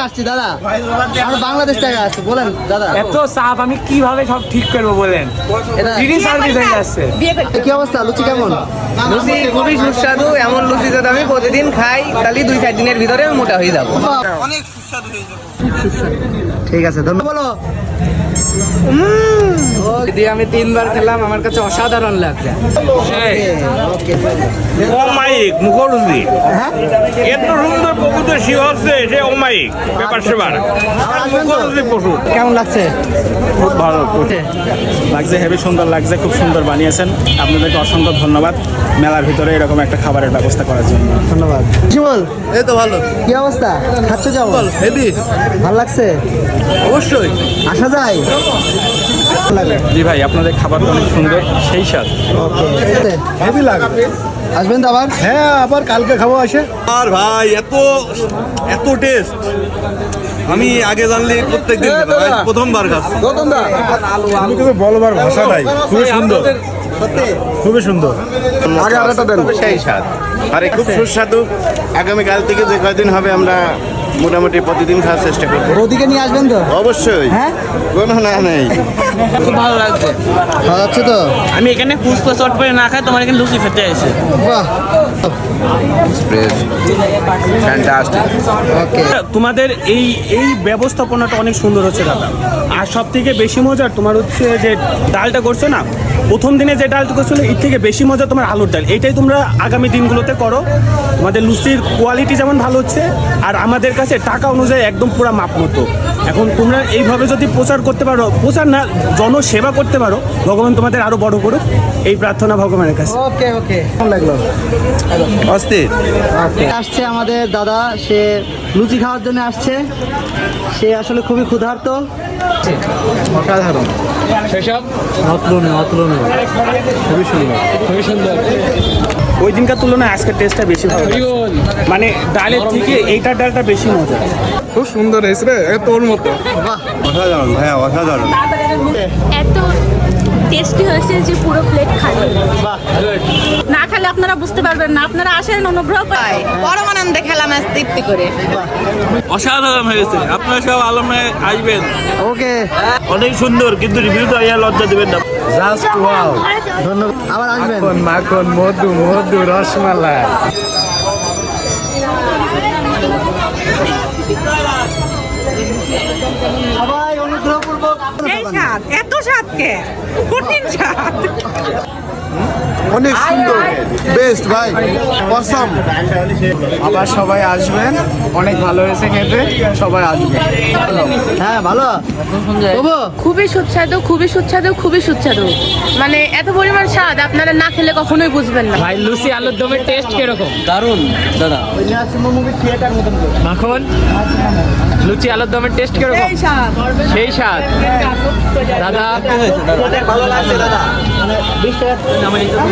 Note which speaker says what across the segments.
Speaker 1: আসছি দাদা, আমরা বাংলাদেশ থেকে আসছি। বলেন দাদা,
Speaker 2: এত চাপ আমি কিভাবে সব ঠিক করবো বলেন? ফ্রি সার্ভিস হয়ে যাচ্ছে।
Speaker 1: কি অবস্থা? লুচি কেমন?
Speaker 3: লুচি খুবই সুস্বাদু। এমন লুচি যদি আমি প্রতিদিন খাই তাহলে 2-4 দিনের ভিতরে আমি মোটা হয়ে যাবো।
Speaker 1: অনেক সুস্বাদু হয়ে যাবে। ঠিক আছে, ধন্যবাদ। বলো।
Speaker 3: যদি আমি 3 বার খেলাম, আমার কাছে অসাধারণ লাগছে।
Speaker 4: অমায়িক মুখরুচি, এত সুন্দর প্রকৃত শিব হচ্ছে সে অমায়িক ব্যাপার সেবার মুখরুচি প্রচুর।
Speaker 1: কেমন লাগছে?
Speaker 5: খুব ভালো লাগছে, হেভি সুন্দর লাগছে, খুব সুন্দর বানিয়েছেন। আপনাদেরকে অসংখ্য ধন্যবাদ মেলার ভিতরে এরকম একটা খাবারের ব্যবস্থা করার জন্য।
Speaker 1: ধন্যবাদ। শিমল,
Speaker 5: এই তো ভালো।
Speaker 1: কি অবস্থা? খাচ্ছে যাও?
Speaker 5: হেভি,
Speaker 1: ভালো লাগছে?
Speaker 5: অবশ্যই
Speaker 1: আসা যায়?
Speaker 5: জি ভাই, আপনাদের খাবারটা অনেক সুন্দর, সেই স্বাদ।
Speaker 1: ওকে,
Speaker 5: হেভি লাগে।
Speaker 1: আসবেন তো আবার?
Speaker 5: হ্যাঁ, আবার কালকে খাবো আসে। আর ভাই এত টেস্ট আমি আগে জানলে প্রত্যেকদিন প্রথমবার খাচ্ছি। আমি কিন্তু বলবার ভাষা নাই, খুবই সুন্দর, খুবই সুন্দর। আগে আরেকটা দেন।
Speaker 6: সেই স্বাদ, আরে খুব সুস্বাদু। আগামীকাল থেকে যে কয়দিন হবে আমরা মোটামুটি প্রতিদিন খাওয়ার চেষ্টা করবো।
Speaker 1: ওদিকে নিয়ে আসবেন তো?
Speaker 6: অবশ্যই,
Speaker 1: হ্যাঁ,
Speaker 6: কোনো না নেই।
Speaker 3: খুব ভালো লাগছে।
Speaker 1: খাওয়া যাচ্ছে তো?
Speaker 3: আমি এখানে ফুচকা চট করে না খাই, তোমার এখানে লুচি খেতে এসে।
Speaker 1: বাহ, ওকে।
Speaker 2: তোমাদের এই ব্যবস্থাপনাটা অনেক সুন্দর হচ্ছে দাদা। আর সব থেকে বেশি মজার তোমার হচ্ছে যে ডালটা করছো না, প্রথম দিনে যে ডালটা করছিল এর থেকে বেশি মজা তোমার আলুর ডাল। এইটাই তোমরা আগামী দিনগুলোতে করো। তোমাদের লুচির কোয়ালিটি যেমন ভালো হচ্ছে, আর আমাদের কাছে টাকা অনুযায়ী একদম পুরো মাপ মতো। এখন তোমরা এইভাবে যদি প্রচার করতে পারো, প্রচার না জনসেবা করতে পারো, ভগবান তোমাদের আরো বড় করুক, এই প্রার্থনা ভগবানের কাছে।
Speaker 1: ওকে ওকে, কেমন লাগলো?
Speaker 6: অস্থির।
Speaker 1: আসছে আমাদের দাদা, সে লুচি খাওয়ার জন্য আসছে। সে আসলে খুবই ক্ষুধার্ত।
Speaker 5: অসাধারণ,
Speaker 2: সেসব
Speaker 5: অতুলনীয়, খুবই সুন্দর, খুবই সুন্দর।
Speaker 2: ওই দিনকার তুলনায় আজকের টেস্টটা বেশি ভালো লাগছে। মানে ডালের থেকে এইটার ডালটা বেশি মজা।
Speaker 5: খুব সুন্দর হয়েছে রে, তোর মতো।
Speaker 6: অসাধারণ ভাইয়া, অসাধারণ।
Speaker 7: এত টেস্টি হয়েছে যে পুরো প্লেট খালি। না খেলে আপনারা বুঝতে পারবেন না। আপনারা আসেন, অনুগ্রহ করে।
Speaker 3: পরম আনন্দে খেলাম আজ তৃপ্তি করে।
Speaker 4: অসাধারণ হয়েছে, আপনারা সব আলমে আসবেন।
Speaker 1: ওকে,
Speaker 4: অনেক সুন্দর, কিন্তু রিভিউ তো লজ্জা দেবেন না।
Speaker 5: Just wow.
Speaker 1: ধন্যবাদ। আবার আসবেন।
Speaker 5: মাখন, মধু, রসমালাই।
Speaker 1: সবাই অনুগ্রহপূর্বক।
Speaker 7: এই স্বাদ, এত স্বাদ কে? কঠিন স্বাদ।
Speaker 6: অনেক সুন্দর, বেস্ট ভাই, অসাম।
Speaker 5: আবার সবাই আসবেন, অনেক ভালো হয়েছে খেতে, সবাই আসবেন।
Speaker 1: হ্যাঁ, ভালো। তবু
Speaker 8: খুবই সুস্বাদু, খুবই সুস্বাদু, খুবই সুস্বাদু। মানে এত পরিমাণ স্বাদ আপনারা না খেলে কখনোই বুঝবেন না।
Speaker 2: ভাই লুচি আলুর দমের টেস্ট কিরকম?
Speaker 3: দারুণ দাদা।
Speaker 1: মুভি থিয়েটার মতন করে।
Speaker 2: মাখন, লুচি আলুর দমের টেস্ট কিরকম? সেই স্বাদ দাদা।
Speaker 1: ভালো লাগছে দাদা। মানে 20 টাকা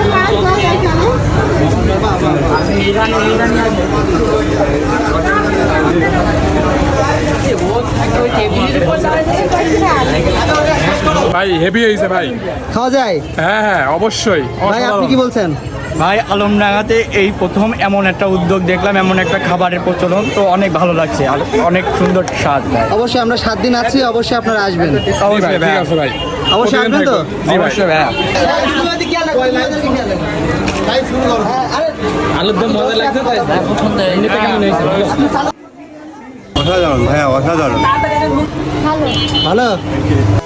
Speaker 5: ভাই হেভি হয়েছে ভাই।
Speaker 1: খাওয়া যায়?
Speaker 5: হ্যাঁ হ্যাঁ, অবশ্যই।
Speaker 1: ভাই আপনি কি বলছেন?
Speaker 5: ভাই, আলমডাঙ্গাতে এই প্রথম এমন একটা উদ্যোগ দেখলাম, এমন একটা খাবারের প্রচলন, তো অনেক ভালো লাগছে, আর অনেক সুন্দর স্বাদ।
Speaker 1: অবশ্যই আমরা 7 দিন আছি, অবশ্যই আপনারা আসবেন।
Speaker 5: অবশ্যই ঠিক আছে ভাই,
Speaker 1: অবশ্যই আসবেন তো?
Speaker 5: অবশ্যই ভাই।
Speaker 2: আলুর দম মজা লাগছে তাই কেমন হয়েছে?
Speaker 6: অসাধারণ ভাইয়া, অসাধারণ।
Speaker 1: ভালো।